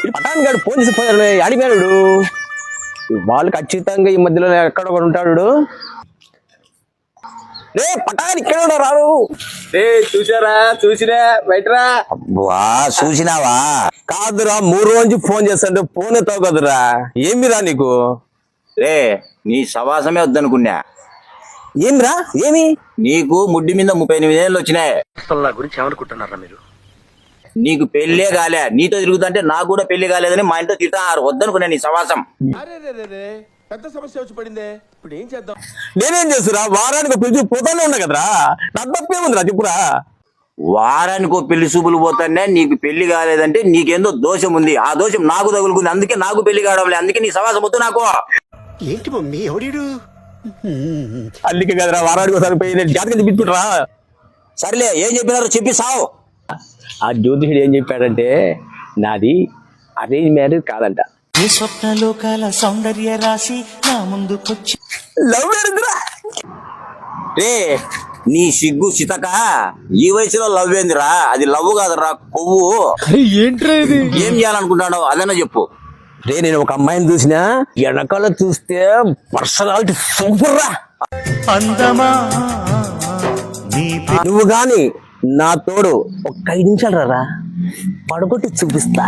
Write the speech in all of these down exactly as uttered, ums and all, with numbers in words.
పటాన్ గారు ఫోన్ చేసి పోయారు అడిగాడు వాళ్ళు ఖచ్చితంగా ఈ మధ్యలో ఎక్కడ కూడా ఉంటాడు. రే పటాన్ ఇక్కడ రాడు. రే చూసారా చూసినా బయటరా. వా చూసినావా? కాదురా మూడు రోజు ఫోన్ చేస్తాంటే ఫోన్ ఎత్తావు కదురా. ఏమిరా నీకు? రే నీ సవాసమే వద్దనుకున్నా. ఏమిరా ఏమి? నీకు ముడ్డి మీద ముప్పై ఎనిమిది ఏళ్ళు వచ్చినాయి. నా గురించి ఏమనుకుంటున్నారా మీరు? నీకు పెళ్లే కాలే, నీతో తిరుగుతుంటే నాకు కూడా పెళ్లి కాలేదని మా ఇంట్లో తిట్టారు. వద్దనుకున్నా నీ సవాసం. పెద్ద సమస్య వచ్చి పడిందే, ఇప్పుడు ఏం చేద్దాం? నేనేం చేస్తురా? వారానికి పిలిచి పోతానే ఉన్నా కదరా. నా తప్పేముందిరా చెప్పురా. వారానికి పెళ్లి చూపులు పోతానే నీకు పెళ్లి కాలేదంటే నీకేందో దోషం ఉంది. ఆ దోషం నాకు తగులుకుంది, అందుకే నాకు పెళ్లి కావడం లేదు. అందుకే నీ సవాసం వద్దు నాకు. ఏంటి మమ్మీ ఎవడీడు? అందుకే కదరా వారానికి ఒకసారి పోయి జాతకం చెప్పించుకుంటారా. సర్లే ఏం చెప్పినారో చెప్పి సావు. ఆ జ్యోతిషుడు ఏం చెప్పాడంటే నాది అరేంజ్ మ్యారేజ్ కాదంట. ఈ స్వప్నలోకాల సౌందర్య రాశి నా ముందుకొచ్చి లవ్ మ్యారేజ్ రా. రే నీ సిగ్గు సితక ఈ వయసులో లవ్ ఏందిరా? అది లవ్ కాదురా, కొవ్వు. ఏంట్రా ఇది? ఏం చేయాలనుకుంటాడో అదన్నా చెప్పు. రే నేను ఒక అమ్మాయిని చూసినా వెనకాల చూస్తే పర్సనాలిటీ సూపర్ రా. అందమా నువ్వు గాని నా తోడు ఒక ఐదు నిమిషాలు రా, పడగొట్టి చూపిస్తా.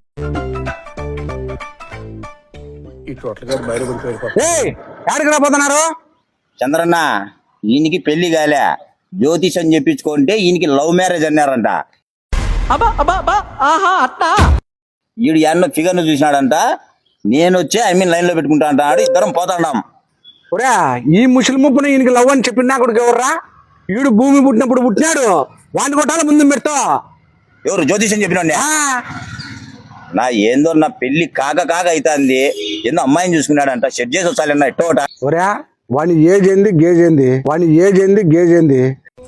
ఎక్కడికి రాబోతున్నారు? చంద్రన్న ఈయనకి పెళ్లి కాలే, జ్యోతిషం చెప్పించుకుంటే ఈయనకి లవ్ మ్యారేజ్ అన్నారంట. ఈడు ఎన్నో ఫిగర్ ను చూసినాడంట. నేను వచ్చి ఐ మీన్ లైన్ లో పెట్టుకుంటా అంటాడు. ఇద్దరం పోతాడాం. ఒరే ఈ ముసలి ముప్పును ఈయనకి లవ్ అని చెప్పిన కొడుకు ఎవర్రా? ఈడు భూమి పుట్టినప్పుడు పుట్టినాడు, వాడిని కొట్టాల ముందు పెడతా. ఎవరు జ్యోతిషం చెప్పిన నా ఏందో నా పెళ్లి కాక కాక అవుతుంది. ఏందో అమ్మాయిని చూసుకున్నాడంట. సెట్ చేసి వచ్చాలన్న ఎట్టోట. ఒరే వాని ఏజ్ ఏంది గేజ్ ఏంది? వాని ఏజ్ ఏంది గేజ్ ఏంది?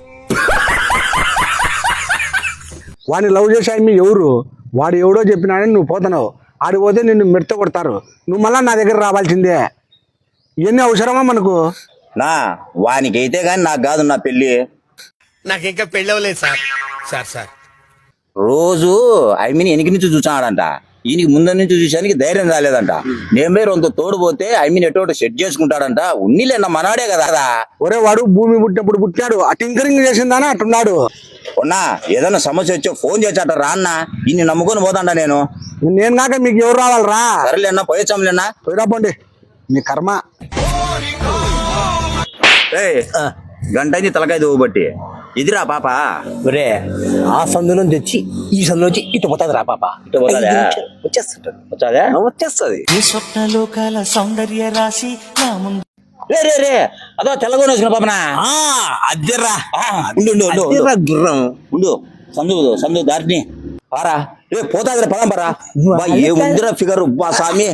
వాని లవ్ చేసే మీ ఎవరు? వాడు ఎవడో చెప్పినాడని నువ్వు పోతున్నావు. ఆడిపోతే నిన్ను మెడత కొడతారు. నువ్వు మళ్ళా నా దగ్గర రావాల్సిందే. ఇవన్నీ అవసరమా మనకు? నా వానికైతే గాని నాకు కాదు నా పెళ్లి. నాకు ఇంకా పెళ్ళి అవ్వలేదు సార్. సార్ సార్ రోజు ఐ మీన్ వెనక నుంచి చూసాడంట. ఈయనకి ముందు నుంచి చూసానికి ధైర్యం రాలేదంట. నేను పేరు వంత తోడుపోతే ఐ మీన్ ఎటో సెట్ చేసుకుంటాడంట. ఉన్నీలేనా మనాడే కదా. ఒరే వాడు భూమి పుట్టినప్పుడు పుట్టాడు, ఆ టింకరింగ్ చేసిందానా అట్టున్నాడు. ఉన్నా ఏదైనా సమస్య వచ్చో ఫోన్ చేశాట రా అన్న. ఇన్ని నమ్ముకొని పోతాండా నేను. నేను కాక మీకు ఎవరు రావాలరా? సరేలేనా పోయొచ్చాంలేనా. పోయిరాపోండి మీ కర్మ. గంట అయింది తలకాయ దువ్వబట్టి. ఇదిరా పాప. ఒరే ఆ సందులో తెచ్చి ఈ సందులో వచ్చి ఇటు పోతుంది రా పాప. ఇటు పోతాదా? వచ్చేస్తుంటది. వచ్చాదా? వచ్చేస్తుంది. ఈ స్వప్నలోకాల సౌందర్య రాశి నా ముందు. రే రే రే అదో తెల్లగొని వచ్చిన పాపనా. అద్దెర్రా ఉండు ఉండు ఉండు అద్దెర్రా గుర్రం. ఉండు సందు సందు దారిని పారా. రే పోతాదిరా పదం పరా. ఏ ఉందిరా ఫిగర్ బా స్వామి.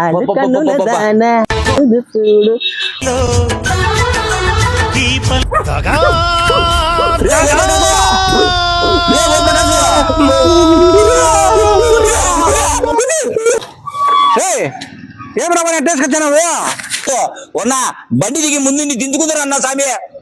ఏమన్నా ఎట్టేసుకొచ్చాను ఉన్నా బండి దిగి ముందు దించుకుందరు అన్నా స్వామి.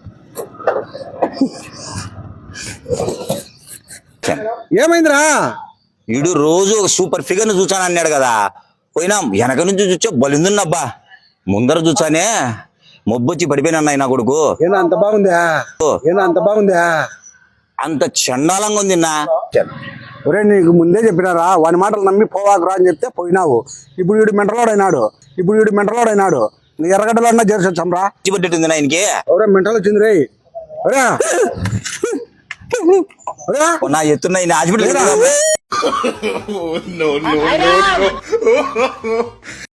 ఏమైందిరా? వీడు రోజు సూపర్ ఫిగర్ ను చూసాను అన్నాడు కదా. పోయినాం వెనక నుంచి చూచా బలిందున్నబ్బా. ముందర చూసానే మొబ్బొచ్చి పడిపోయినా నా కొడుకు. ఏనా అంత బాగుందా? ఏనా అంత బాగుందా? అంత చండాలంగా ఉంది నా. ఒరే నీకు ముందే చెప్పినారా వాని మాటలు నమ్మి పోవాకురా అని చెప్తే పోయినావు. ఇప్పుడు వీడు మెంటలోడైనాడు. ఇప్పుడు వీడు మెంటలోడైనాడు. నీ ఎర్రగడ్డలో అన్నా చేర్చొచ్చాంరా. పట్టేట్టుంది ఆయనకి. ఒరే మెంటల్ వచ్చింది రే. నా ఎత్తున్నాయి హాస్పిటల్.